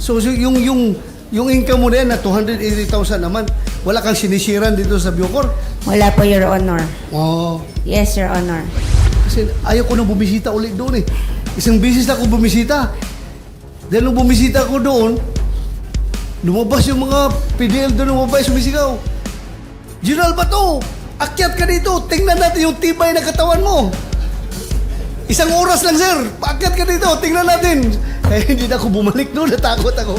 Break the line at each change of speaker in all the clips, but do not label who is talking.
So yung income mo na yan na 280,000 naman, wala kang sinisiran dito sa Bucor?
Wala po, Your Honor.
Oo.
Yes, Your Honor.
Kasi ayaw ko nang bumisita ulit doon eh. Isang bisis na ako bumisita. Dahil nung bumisita ko doon, lumabas yung mga PDL doon, lumabas, sumisigaw. General Bato, akyat ka dito, tingnan natin yung tibay na katawan mo. Isang oras lang, sir. Paakyat ka dito, tingnan natin. Kaya hindi na ako bumalik doon, natakot ako.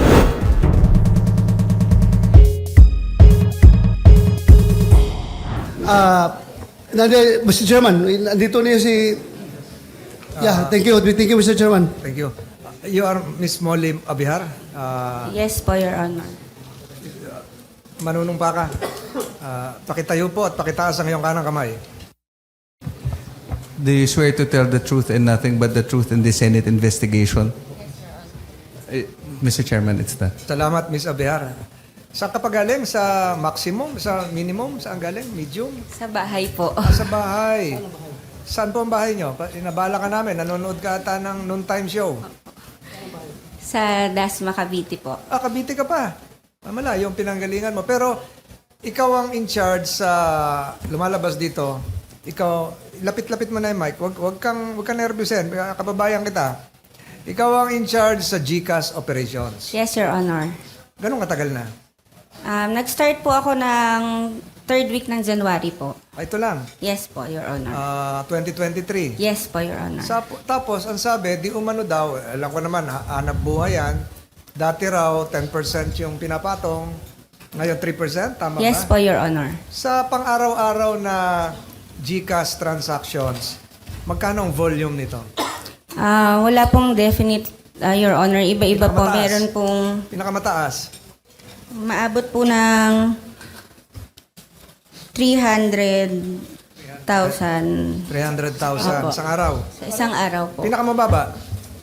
Mr. Chairman, nandito niya si... Yeah, thank you, Mr. Chairman.
Thank you. You are Miss Molly Abihar.
Yes po, Your Honor.
Manunong pa ka. Pakitayo po at pakitaas ang iyong kanang kamay.
Do you swear to tell the truth and nothing but the truth in the Senate investigation? Mr. Chairman, it's that.
Salamat, Miss Abihar. Saan ka pa galing? Sa maximum? Sa minimum? Saan galing? Medium?
Sa bahay po.
Sa bahay. Saan po ang bahay nyo? Inabala ka namin. Nanonood ka ata ng noontime show.
Sa Dasma, Cavite po.
Cavite ka pa. Malayo yung pinanggalingan mo. Pero ikaw ang in charge sa lumalabas dito. Ikaw, lapit-lapit mo na yung mic. Huwag kang nervyusin. Kababayan kita. Ikaw ang in charge sa GCash operations.
Yes, Your Honor.
Ganong katagal na?
Nag-start po ako ng 3rd week ng January po.
Ito lang.
Yes po, Your Honor.
2023.
Yes po, Your Honor.
Tapos, ang sabi, di umano daw, alam ko naman, hanap buhay yan. Dati raw, 10% yung pinapatong. Ngayon, 3%? Tama ba?
Yes po, Your Honor.
Sa pang-araw-araw na GCash transactions, magkano ang volume nito?
Wala pong definite, Your Honor. Iba-iba po.
Pinakamataas.
Meron pong
Pinakamataas?
maabot po ng 300,000
300,000
Opo.
isang araw.
sa isang araw po.
Pinakamababa?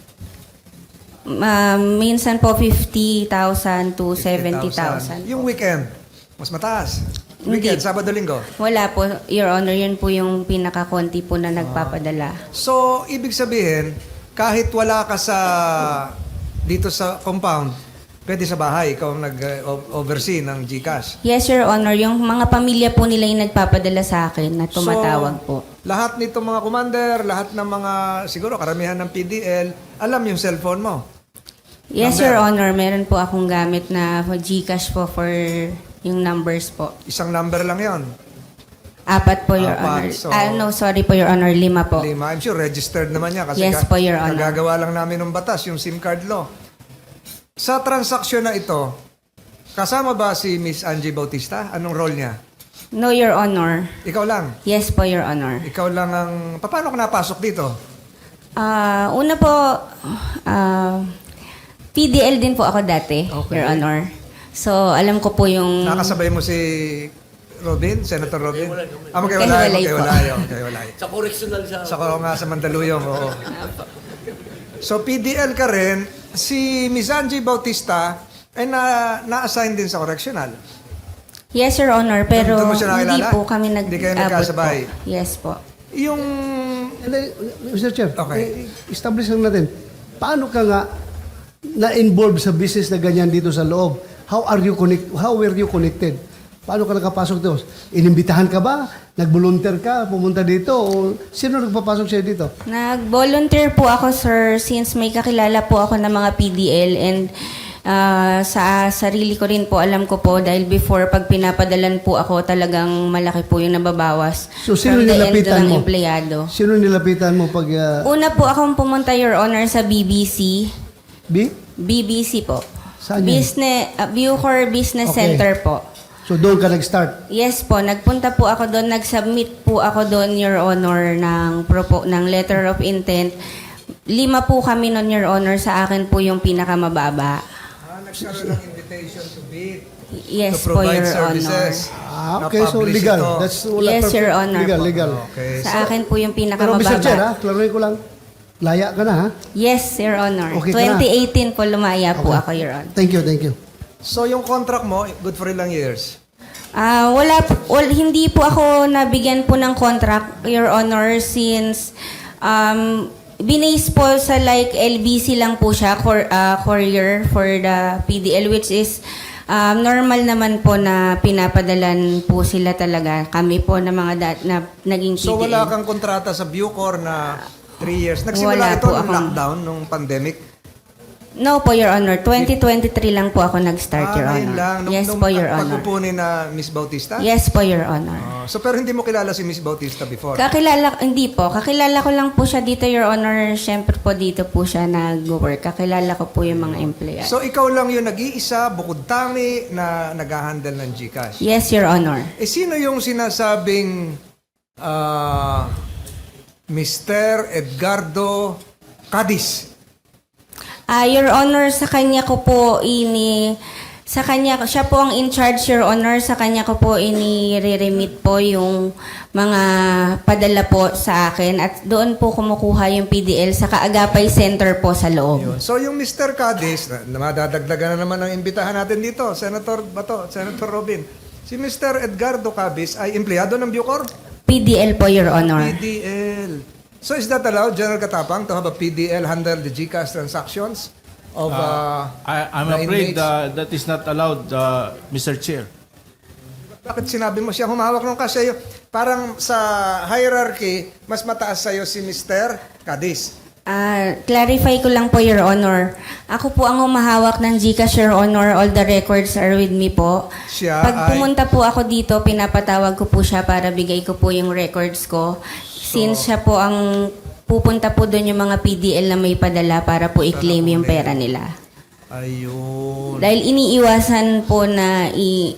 Minsan po 50,000 to 70,000.
Yung weekend, mas mataas.
Hindi.
Weekend, Sabado, Linggo.
Wala po, Your Honor. Yun po yung pinakakonti po na nagpapadala.
So, ibig sabihin, kahit wala ka dito sa compound, pwede sa bahay, ikaw ang nag-oversee ng GCash.
Yes, Your Honor. Yung mga pamilya po nila yung nagpapadala sa akin na tumatawag po.
Lahat nito mga commander, lahat ng mga, siguro karamihan ng PDL, alam yung cellphone mo.
Yes,
Number.
Your Honor. Meron po akong gamit na GCash po for yung numbers po.
Isang number lang yon.
4 po, Your
Apat,
Honor.
so-
No, sorry po, Your Honor. 5 po.
Lima. I'm sure registered naman niya kasi
Yes po, Your Honor.
kagagawa lang namin ng batas, yung SIM card law. Sa transaksyon na ito, kasama ba si Miss Angie Bautista? Anong role niya?
No, Your Honor.
Ikaw lang.
Yes po, Your Honor.
Ikaw lang ang... Paano ka napasok dito?
Una po, PDL din po ako dati,
Okay.
Your Honor. So, alam ko po yung...
Nakasabay mo si Robin, Senator Robin?
Magkahiwalay po.
Magkahiwalay.
Sa correctional siya.
Sa Mandaluyong, oo. So, PDL ka rin. Si Miss Angie Bautista ay na-assign din sa correctional.
Yes, Your Honor, pero
Doon mo siya
hindi
nakilala?
po kami
Hindi kayo
nag-abot
nagkasabay?
po. Yes po.
Yung...
Mr. Chair,
Okay.
establish lang natin, paano ka nga na-involve sa business na ganyan dito sa loob? How were you connected? Paano ka nakapasok dito? Inimbitahan ka ba? Nag-volunteer ka? Pumunta dito? O sino nagpapasok siya dito?
Nag-volunteer po ako, sir, since may kakilala po ako ng mga PDL and sa sarili ko rin po, alam ko po, dahil before, pag pinapadalan po ako, talagang malaki po yung nababawas.
So, sino
from the end
nilapitan
ng
mo?
empleyado.
Sino nilapitan mo pag...
Una po akong pumunta, Your Honor, sa BBC.
B?
BBC po.
Saan yun?
Bucor Business
Okay.
Center po.
So, doon ka nag-start?
Yes po, nagpunta po ako doon, nag-submit po ako doon, Your Honor, ng letter of intent. 5 po kami noon, Your Honor, sa akin po yung pinakamababa.
nagkaroon ng invitation to bid.
Yes
to
po,
provide
Your
services.
Okay, so
Na-publish
legal.
ito.
That's wala
Yes, Your Honor
Legal,
po.
legal.
Okay.
Sa akin po yung
Pero Mr. Chair,
pinakamababa.
klaruhin ko lang. Laya ka na, ha?
Yes, Your Honor.
Okay ka na.
2018 po lumaya po
Okay.
ako, Your Honor.
Thank you, thank you.
So yung contract mo, good for ilang years?
Hindi po ako nabigyan po ng contract, Your Honor, since Binase po sa like LBC lang po siya, courier for the PDL, which is normal naman po na pinapadalan po sila talaga. Kami po na mga na naging PDL.
So wala kang kontrata sa Bucor na 3 years. Nagsimula
Wala
ito
po
nung
akong-
lockdown, nung pandemic.
No po, Your Honor. 2023 lang po ako nag-start, Your
ngayon
Honor.
lang.
Yes po, Your Honor.
Pagpupunin na Miss Bautista?
Yes po, Your Honor.
So pero hindi mo kilala si Miss Bautista before?
Hindi po. Kakilala ko lang po siya dito, Your Honor. Siyempre po dito po siya nag-work. Kakilala ko po yung mga empleyado.
So ikaw lang yung nag-iisa, bukod tangi, na nag-handle ng GCash?
Yes, Your Honor.
Sino yung sinasabing Mr. Edgardo Cadiz?
Your Honor, sa kanya ko po siya po ang in charge, Your Honor. Sa kanya ko po ini-remit po yung mga padala po sa akin at doon po kumukuha yung PDL sa Kaagapay Center po sa loob.
Yun. So yung Mr. Cadiz, na madadagdagan na naman ang imbitahan natin dito, Senator Bato, Senator Robin. Si Mr. Edgardo Cadiz ay empleyado ng Bucor?
PDL po, Your Honor.
PDL. So is that allowed, General Katapang, to have a PDL handle the GCash transactions of
I'm
the
afraid
inmates?
that is not allowed, Mr. Chair.
Bakit sinabi mo siya humawak ng kasi parang sa hierarchy, mas mataas sa'yo si Mr. Cadiz.
Clarify ko lang po, Your Honor. Ako po ang humahawak ng GCash, Your Honor. All the records are with me po.
Siya
Pag
ay-
pumunta po ako dito, pinapatawag ko po siya para bigay ko po yung records ko. Since siya po ang pupunta po doon yung mga PDL na may padala para po i-claim yung pera nila.
Ayun.
Dahil iniiwasan po na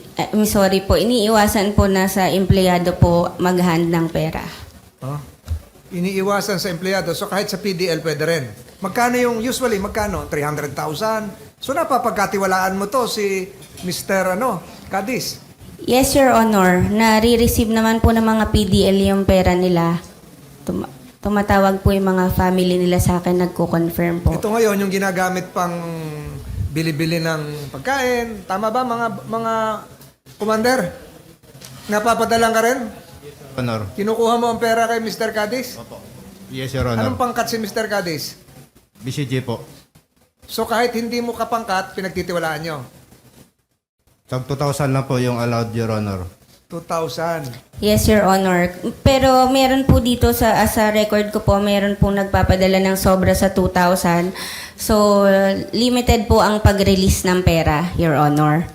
iniiwasan po na sa empleyado po mag-hand ng pera.
Huh? Iniiwasan sa empleyado. So kahit sa PDL pwede rin. Magkano yung usually? Magkano? 300,000? So napapagkatiwalaan mo to si Mr. Cadiz.
Yes, Your Honor. Nare-receive naman po ng mga PDL yung pera nila. Tumatawag po yung mga family nila sa akin, nagko-confirm po.
Ito ngayon yung ginagamit pang bili-bili ng pagkain. Tama ba mga commander? Napapadalang ka rin?
Honor.
Kinukuha mo ang pera kay Mr. Cadiz?
Yes, Your
Anong
Honor.
pangkat si Mr. Cadiz?
BCG po.
So kahit hindi mo kapangkat, pinagtitiwalaan nyo.
Tag 2,000 lang po yung allowed, Your Honor.
2,000.
Yes, Your Honor. Pero meron po dito sa record ko po, meron po nagpapadala ng sobra sa 2,000. So, limited po ang pag-release ng pera, Your Honor.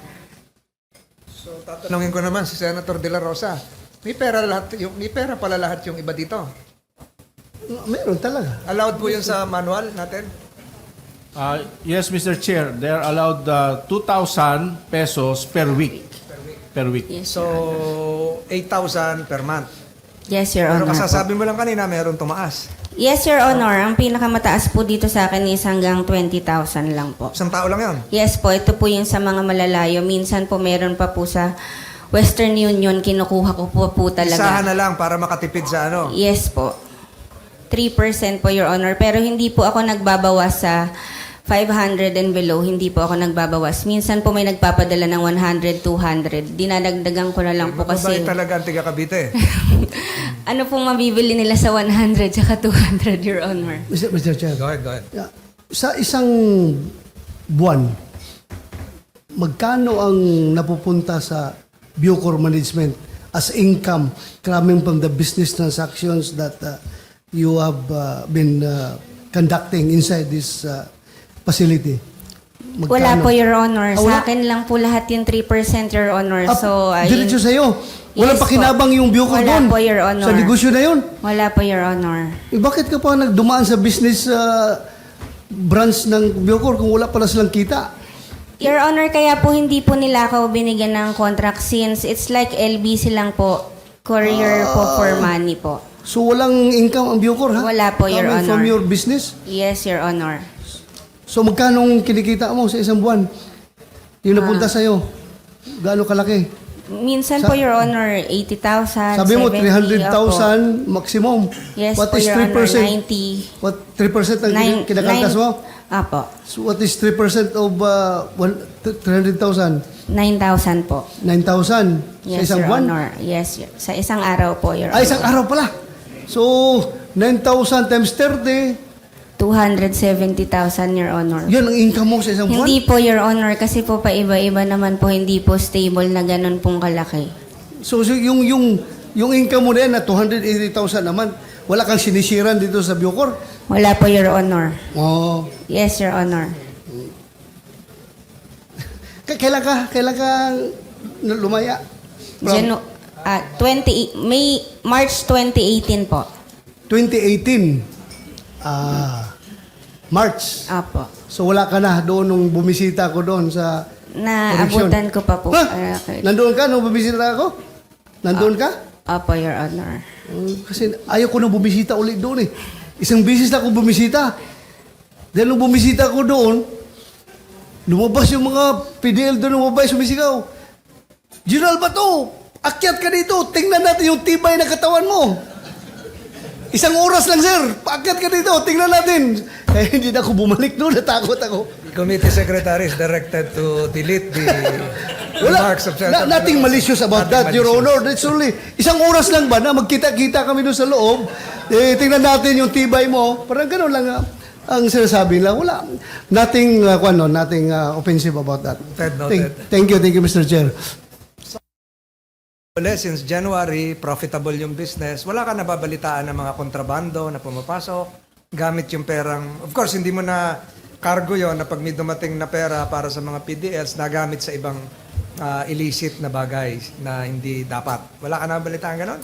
So tatanungin ko naman si Senator De La Rosa. May pera pala lahat yung iba dito.
Meron talaga.
Allowed po yun sa manual natin?
Yes, Mr. Chair, they are allowed 2,000 pesos per week. Per week.
Yes,
So 8,000 per month.
yes, Your
Pero
Honor. po.
kasasabi mo lang kanina, meron tumaas.
Yes, Your Honor. Ang pinakamataas po dito sa akin is hanggang 20,000 lang po.
Isang tao lang yun.
Yes po, ito po yung sa mga malalayo. Minsan po meron pa po sa Western Union, kinukuha ko po talaga.
Isahan na lang para makatipid sa
Yes po. 3% po, Your Honor. Pero hindi po ako nagbabawas sa 500 and below. Hindi po ako nagbabawas. Minsan po may nagpapadala ng 100, 200. Dinadagdagan ko na lang po kasi
Mababait talaga ang tiga Cavite.
ano pong mabibili nila sa 100 tsaka 200, Your Honor.
Mr. Chair.
Go ahead.
Yeah. Sa isang buwan, magkano ang napupunta sa Bucor Management as income coming from the business transactions that you have been conducting inside this facility? Magkano?
Wala po, Your Honor.
Ah, wala?
Sa akin lang po lahat yung 3%, Your Honor.
Ah,
So,
diretso sa'yo. Walang
Yes
pakinabang
po.
yung Bucor
Wala
doon.
po, Your Honor.
Sa negosyo na yun.
Wala po, Your Honor.
Bakit ka pa nagdumaan sa business branch ng Bucor kung wala pala silang kita?
Your Honor, kaya po hindi po nila ako binigyan ng contract since it's like LBC lang po. Courier po for money po.
So walang income ang Bucor, ha?
Wala po, Your
Coming from
Honor.
your business?
Yes, Your Honor.
So magkano kinikita mo sa isang buwan? Yung napunta sa'yo? Gaano kalaki?
Minsan po, Your Honor, 80,000,
Sabi mo,
70,
300,000 maximum.
Yes
What
po,
is
Your
3%?
Honor, 90.
What, 3% ang kinakaltas mo?
Apo,
So what is 3% of 300,000?
9,000 po.
9,000 sa
Yes,
isang
Your
buwan?
Honor. Yes, sa isang araw po, Your
Ay,
Honor.
isang araw pala. So, 9,000 times 30,
270,000, Your Honor.
Yan ang income mo sa isang buwan?
Hindi po, Your Honor, kasi po paiba-iba naman po, hindi po stable na ganun pong kalaki.
So yung income mo na yan na 280,000 naman, wala kang sinisiran dito sa Bucor?
Wala po, Your Honor.
Oh.
Yes, Your Honor.
Kailan ka lumaya?
March 2018 po.
2018. March.
Apo.
So wala ka na doon nung bumisita ko doon sa correction.
Naabutan ko pa po.
Ha? Nandoon ka nung bumisita ako? Nandoon ka?
Apo, Your Honor.
Kasi ayaw ko nang bumisita ulit doon eh. Isang bisis na ako bumisita. Dahil nung bumisita ko doon, lumabas yung mga PDL doon, lumabas, sumisigaw. General Bato, akyat ka dito, tingnan natin yung tibay na katawan mo. Isang oras lang, sir. Paakyat ka dito, tingnan natin. Kaya hindi na ako bumalik doon, natakot ako.
Committee secretary is directed to delete the remarks of
Nothing malicious about that, Your Honor. That's only, isang oras lang ba na magkita-kita kami doon sa loob, tingnan natin yung tibay mo. Parang gano'n lang ang sinasabi lang. Wala. Nothing, nothing offensive about that.
Noted.
Thank you, Mr. Chair.
Since January, profitable yung business. Wala ka nababalitaan ng mga kontrabando na pumapasok, gamit yung perang. Of course, hindi mo na cargo yon na pag may dumating na pera para sa mga PDLs, nagamit sa ibang illicit na bagay na hindi dapat. Wala ka nababalitaan ganon?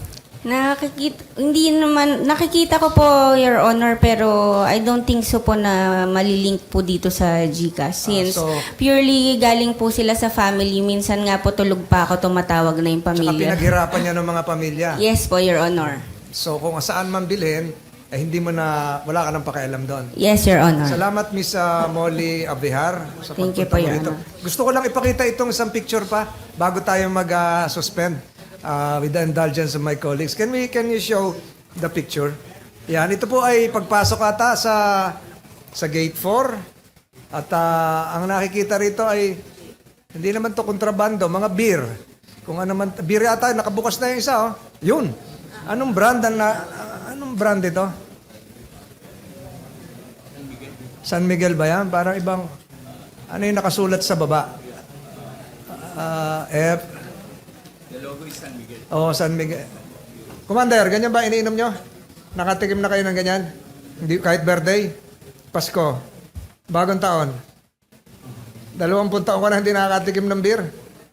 Nakikita ko po, Your Honor, pero I don't think so po na malilink po dito sa GCash. Since purely galing po sila sa family, minsan nga po tulog pa ako, tumatawag na yung
Tsaka
pamilya.
pinaghirapan niya ng mga pamilya.
Yes po, Your Honor.
So kung saan man bilhin, hindi mo na, wala ka nang pakialam doon.
Yes, Your Honor.
Salamat, Miss Molly Abihar. Sa
Thank you
pagpunta
po,
mo
Your
rito.
Honor.
Gusto ko lang ipakita itong isang picture pa bago tayo mag-suspend with the indulgence of my colleagues. Can you show the picture? Yan, ito po ay pagpasok ata sa gate 4. At ang nakikita rito ay hindi naman to kontrabando, mga beer. Kung ano man, beer ata, nakabukas na yung isa, oh. Yun. Anong brand ito? San Miguel ba yan? Parang ibang, ano yung nakasulat sa baba? F. The logo is San Miguel. Oh, San Miguel. Commander, ganyan ba iniinom nyo? Nakatikim na kayo ng ganyan? Hindi, kahit birthday? Pasko? Bagong taon? 20 taon ka na hindi nakakatikim ng beer?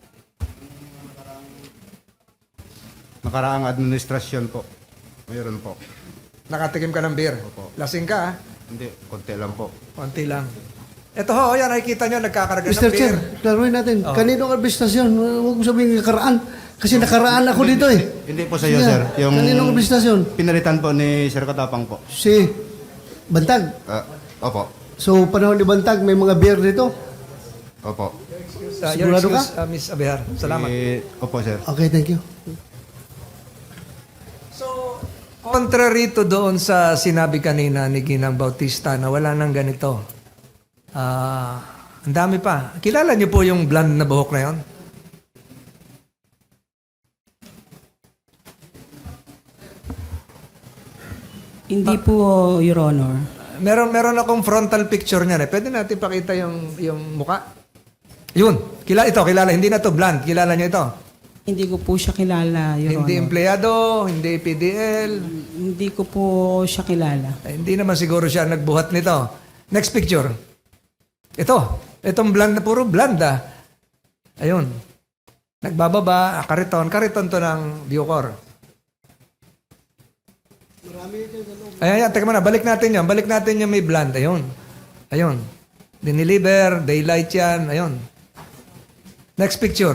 Nakaraang administrasyon po. Mayroon po.
Nakatikim ka ng beer?
Opo.
Lasing ka, ha?
Hindi, konti lang po.
Konti lang. Ito ho, yan, nakikita nyo, nagkakarga
Mr.
ng beer.
Chair, klaruin natin. Kanino ang bistasyon? Huwag mo sabihin nakaraan. Kasi nakaraan ako dito eh.
Hindi po sa iyo, sir. Yung
Kanino ang bistasyon?
pinalitan po ni Sir Katapang po.
Si Bantag.
Opo.
So, panahon ni Bantag, may mga beer dito.
Opo.
Your
Sigurado ka?
excuse, Miss Abihar. Salamat.
Opo, sir.
Okay, thank you.
Contrary to doon sa sinabi kanina ni Ginang Bautista na wala nang ganito. Ang dami pa. Kilala niyo po yung blonde na buhok na yon?
Hindi po, Your Honor.
Meron akong frontal picture niyan eh. Pwede natin pakita yung muka? Yun. Kilala. Hindi na to blonde. Kilala niyo ito?
Hindi ko po siya kilala, Your
Hindi
Honor.
empleyado, hindi PDL.
Hindi ko po siya kilala.
Hindi naman siguro siya nagbuhat nito. Next picture. Ito. Itong blonde na puro blonde ah. Ayun. Nagbababa, kariton. Kariton to ng Bucor. Ayan, teka muna. Balik natin yan. Balik natin yung may blonde. Ayun. Diniliver, daylight yan. Ayun. Next picture.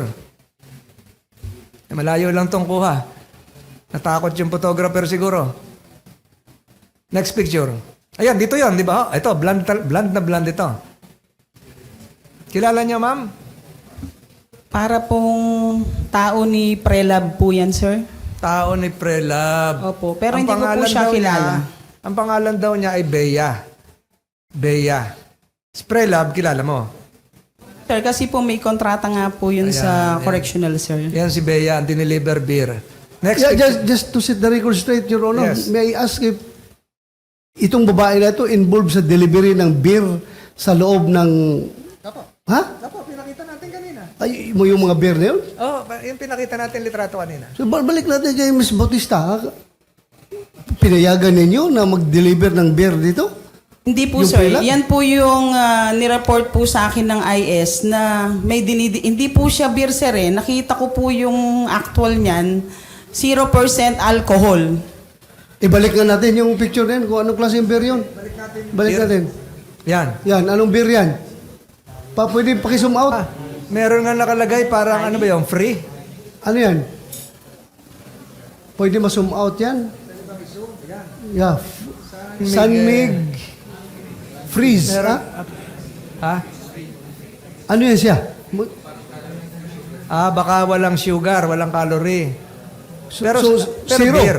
Malayo lang tong kuha. Natakot yung photographer siguro. Next picture. Ayan, dito yon, di ba? Ito, blonde na blonde ito. Kilala niyo, ma'am?
Para pong tao ni Prelab po yan, sir.
Tao ni Prelab.
Opo, pero
Ang
hindi ko po
pangalan
siya
daw
kilala.
Ang pangalan daw niya ay Bea. Bea. Si Prelab, kilala mo?
Sir, kasi po may kontrata nga po yun sa correctional, sir.
Yan si Bea, ang diniliver beer. Next
Yeah,
picture.
just to set the record straight, Your Honor,
Yes.
may I ask if itong babae na ito involved sa delivery ng beer sa loob ng... Ha?
Apo, pinakita natin kanina.
Ay, mo yung mga beer na yun?
Oh, yung pinakita natin litrato kanina.
So, balik natin kay Ms. Bautista. Pinayagan ninyo na mag-deliver ng beer dito?
Hindi po,
Yung
sir.
prelam?
Yan po yung nireport po sa akin ng IS na may hindi po siya beer, sir, eh. Nakita ko po yung actual niyan, 0% alcohol.
Ibalik nga natin yung picture na yun, kung anong klaseng beer yun. Balik
Beer.
natin.
Yan.
Yan, anong beer yan? Pwede pakisum out?
Meron nga nakalagay parang ano ba yung free?
Ano yan? Pwede ma-zoom out yan? Yeah. Sunmig Freeze.
Meron.
Ha?
Ha?
Ano yan siya?
Baka walang sugar, walang calorie. Pero, pero
zero.
beer.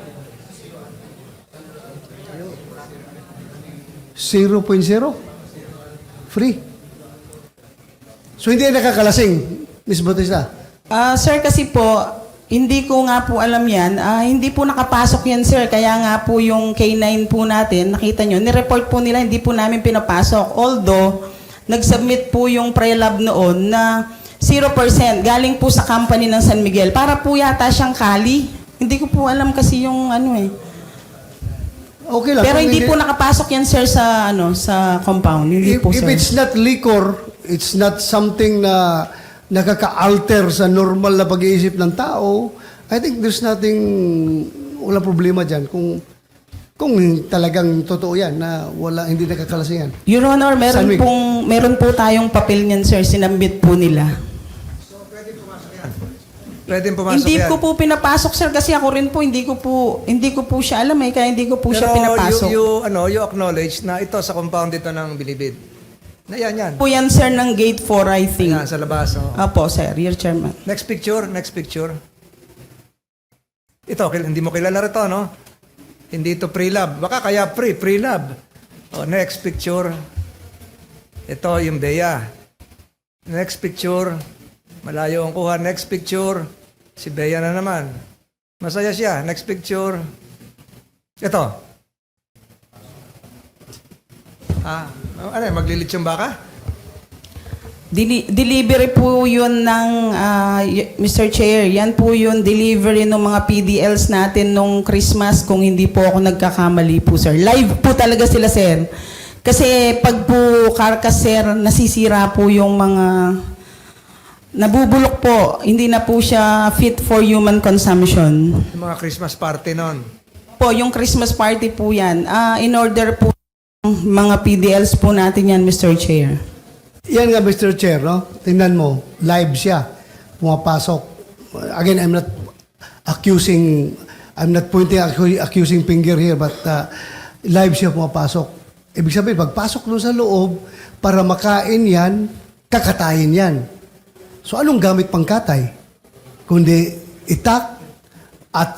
0.0? Free. So hindi yan nakakalasing, Ms. Bautista?
Sir, kasi po, hindi ko nga po alam yan. Hindi po nakapasok yan, sir. Kaya nga po yung K9 po natin, nakita nyo, nireport po nila, hindi po namin pinapasok. Although, nag-submit po yung pre-lab noon na 0%, galing po sa company ng San Miguel. Para po yata siyang kali. Hindi ko po alam kasi yung ano eh.
Okay lang.
Pero
Kung
hindi po nakapasok yan, sir, sa sa compound. Hindi po,
if
sir.
it's not liquor, it's not something na nakaka-alter sa normal na pag-iisip ng tao, I think there's nothing, wala problema dyan. Kung talagang totoo yan, na wala, hindi nakakalasingan.
Your Honor,
San Miguel.
meron po tayong papel niyan, sir. Sinambit po nila.
Pwedeng pumasok
Hindi
yan.
ko po pinapasok, sir, kasi ako rin po hindi ko po siya alam eh, kaya hindi ko po siya
Pero
pinapasok.
you acknowledge na ito sa compound dito ng Bilibid. Na yan.
Po yan, sir, ng gate 4, I think.
Yan, sa labas. Oh.
Apo, sir, your chairman.
Next picture. Ito, hindi mo kilala rito, no? Hindi ito pre-lab. Baka kaya pre-lab. Oh, next picture. Ito yung Bea. Next picture. Malayo ang kuha. Next picture. Si Bea na naman. Masaya siya. Next picture. Ito. Ano yan? Maglilit yung baka?
Delivery po yun ng, Mr. Chair, yan po yung delivery ng mga PDLs natin nung Christmas kung hindi po ako nagkakamali po, sir. Live po talaga sila, sir. Kasi pag po karkas, sir, nasisira po yung mga nabubulok po. Hindi na po siya fit for human consumption.
Yung mga Christmas party nun.
Po, yung Christmas party po yan. In order po mga PDLs po natin yan, Mr. Chair.
Yan nga, Mr. Chair, no? Tingnan mo, live siya. Pumapasok. Again, I'm not pointing accusing finger here, but live siya pumapasok. Ibig sabihin, pagpasok doon sa loob, para makain yan, kakatayin yan. So, anong gamit pang katay? Kundi itak at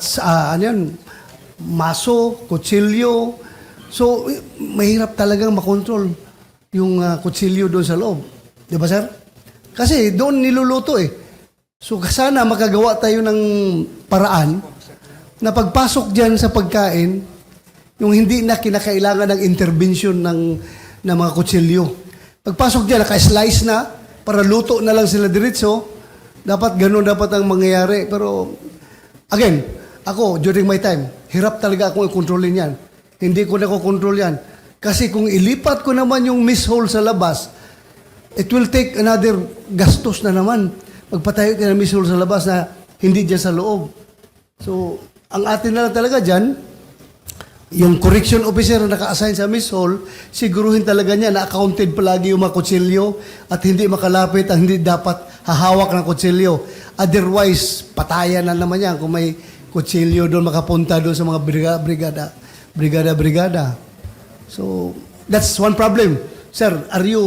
maso, kutsilyo. So, mahirap talagang makontrol yung kutsilyo doon sa loob. Di ba, sir? Kasi doon niluluto eh. So, sana makagawa tayo ng paraan na pagpasok dyan sa pagkain, yung hindi na kinakailangan ng intervention ng mga kutsilyo. Pagpasok dyan, naka-slice na, para luto na lang sila diretso, dapat ganun dapat ang mangyayari. Pero, again, ako, during my time, hirap talaga akong i-controlin yan. Hindi ko na ko-control yan. Kasi kung ilipat ko naman yung miss hole sa labas, it will take another gastos na naman. Magpatayo ka ng miss hole sa labas na hindi dyan sa loob. So, ang atin na lang talaga dyan, yung correction officer na naka-assign sa miss hole, siguruhin talaga niya na accounted palagi yung mga kutsilyo at hindi makalapit ang hindi dapat hahawak ng kutsilyo. Otherwise, patayan na naman yan kung may kutsilyo doon makapunta doon sa mga brigada. So, that's one problem. Sir,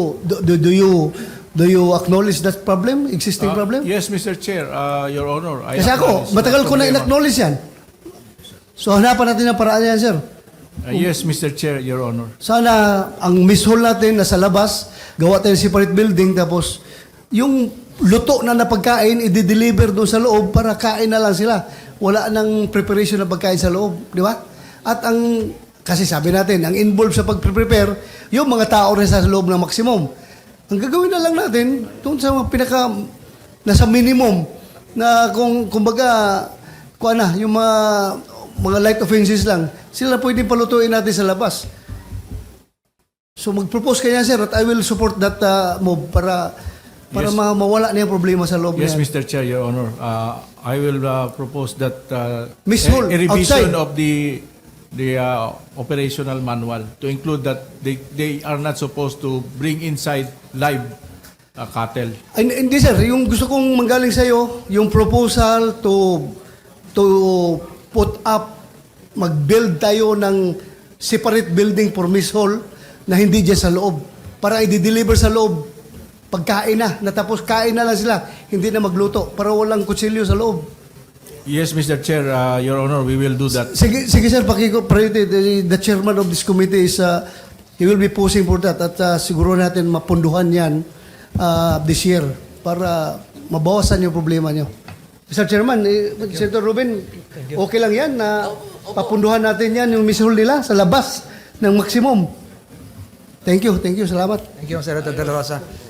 do you acknowledge that problem, existing problem?
Yes, Mr. Chair, Your Honor.
Kasi ako, matagal ko na in-acknowledge yan. So, hanapan natin ang paraan yan, sir.
Yes, Mr. Chair, Your Honor.
Sana ang miss hall natin nasa labas, gawa tayo ng separate building, tapos yung luto na napagkain, i-deliver doon sa loob para kain na lang sila. Wala nang preparation na pagkain sa loob, di ba? At ang Kasi sabi natin, ang involved sa pag-prepare, yung mga tao rin sa loob ng maximum. Ang gagawin na lang natin, doon sa mga nasa minimum, na kumbaga, yung mga light offenses lang, sila pwedeng palutuin natin sa labas. So mag-propose kanya, sir, at I will support that move para
Yes.
mawala na yung problema sa loob
Yes,
niya.
Mr. Chair, Your Honor. I will propose that
Miss
a
Hall,
revision
outside.
of the operational manual to include that they are not supposed to bring inside live cattle.
Hindi, sir, yung gusto kong manggaling sa'yo, yung proposal to put up, mag-build tayo ng separate building for Miss Hall na hindi dyan sa loob. Para i-deliver sa loob. Pagkain na, natapos kain na lang sila, hindi na magluto para walang kutsilyo sa loob.
Yes, Mr. Chair, Your Honor, we will do that.
Sige sir, priority, the chairman of this committee is, he will be pushing for that at siguro natin mapunduhan yan this year para mabawasan yung problema nyo. Mr. Chairman, Senator Ruben, okay lang yan na papunduhan natin yan yung Miss Hall nila sa labas ng maximum. Thank you, salamat.
Thank you, Senator De La Rosa.